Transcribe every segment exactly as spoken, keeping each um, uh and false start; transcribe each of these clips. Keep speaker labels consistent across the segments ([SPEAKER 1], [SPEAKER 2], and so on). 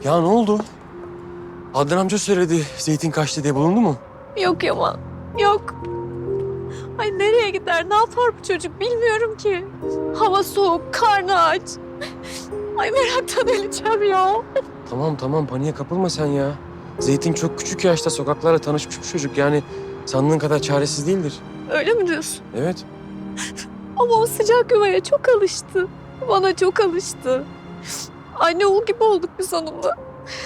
[SPEAKER 1] Ya ne oldu? Adnan amca söyledi zeytin kaçtı diye, bulundu mu?
[SPEAKER 2] Yok Yaman, yok. Ay nereye gider, ne yapar bu çocuk bilmiyorum ki. Hava soğuk, karnı aç. Ay meraktan öleceğim ya.
[SPEAKER 1] Tamam tamam, paniğe kapılma sen ya. Zeytin çok küçük yaşta sokaklarla tanışmış bir çocuk. Yani sandığın kadar çaresiz değildir.
[SPEAKER 2] Öyle mi diyorsun?
[SPEAKER 1] Evet.
[SPEAKER 2] Ama o sıcak yuvaya çok alıştı. Bana çok alıştı. Anne oğul gibi olduk biz onunla.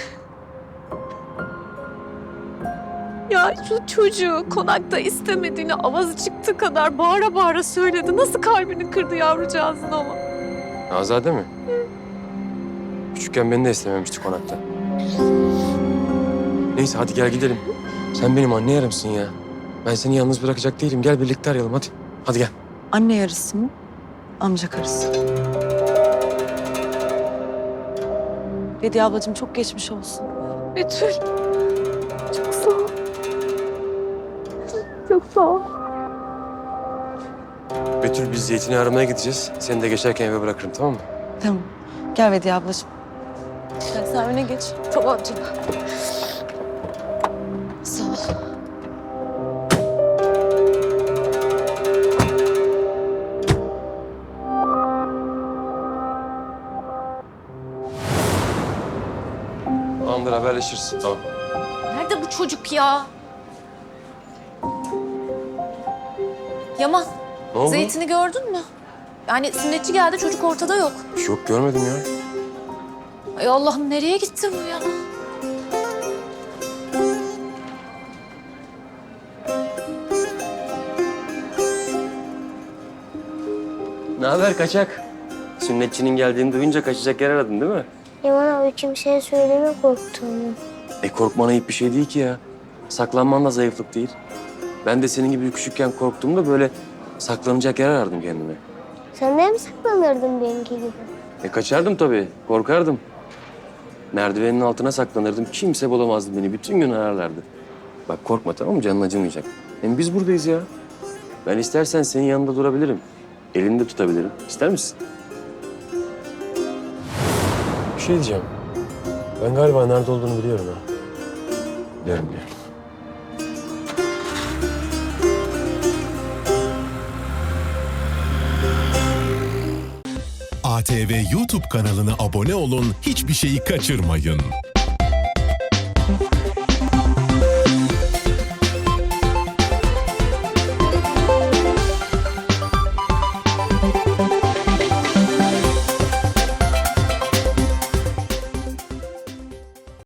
[SPEAKER 2] Ya şu çocuğu konakta istemediğini avazı çıktığı kadar bağıra bağıra söyledi. Nasıl kalbini kırdı yavrucağızın ama.
[SPEAKER 1] Azade mi? Küçükken beni de istememişti konakta. Neyse hadi gel gidelim. Sen benim anne yarımsın ya. Ben seni yalnız bırakacak değilim. Gel birlikte arayalım hadi. Hadi gel.
[SPEAKER 3] Anne yarısı mı? Amca karısı. Bediye ablacığım çok geçmiş olsun.
[SPEAKER 2] Betül. Çok sağ ol. Çok sağ ol.
[SPEAKER 1] Betül, biz zeytini aramaya gideceğiz. Seni de geçerken eve bırakırım, tamam mı?
[SPEAKER 3] Tamam. Gel Bediye ablacığım. Gel sen öne geç.
[SPEAKER 2] Tamam canım. Sağ ol.
[SPEAKER 1] Tamamdır, haberleşiriz. Tamam.
[SPEAKER 4] Nerede bu çocuk ya? Yaman,
[SPEAKER 1] Ne oldu?
[SPEAKER 4] zeytini gördün mü? Yani sünnetçi geldi, çocuk ortada yok.
[SPEAKER 1] Yok, görmedim ya.
[SPEAKER 4] Ay Allah'ım, nereye gitti bu ya?
[SPEAKER 1] Ne haber kaçak? Sünnetçinin geldiğini duyunca kaçacak yer aradın değil mi?
[SPEAKER 5] Yaman abi kimseye söyleme korktuğumu.
[SPEAKER 1] E korkman ayıp bir şey değil ki ya. Saklanman da zayıflık değil. Ben de senin gibi küçükken korktuğumda böyle saklanacak yer arardım kendime.
[SPEAKER 5] Sen de mi saklanırdın benimki gibi?
[SPEAKER 1] E kaçardım tabii, korkardım. Merdivenin altına saklanırdım, kimse bulamazdı beni. Bütün gün ararlardı. Bak korkma, tamam mı? Canın acımayacak. Hem biz buradayız ya. Ben istersen senin yanında durabilirim. Elini de tutabilirim. İster misin? Bir şey diyeceğim. Ben galiba nerede olduğunu biliyorum ha. Biliyorum, biliyorum.
[SPEAKER 6] A T V YouTube kanalına abone olun, hiçbir şeyi kaçırmayın.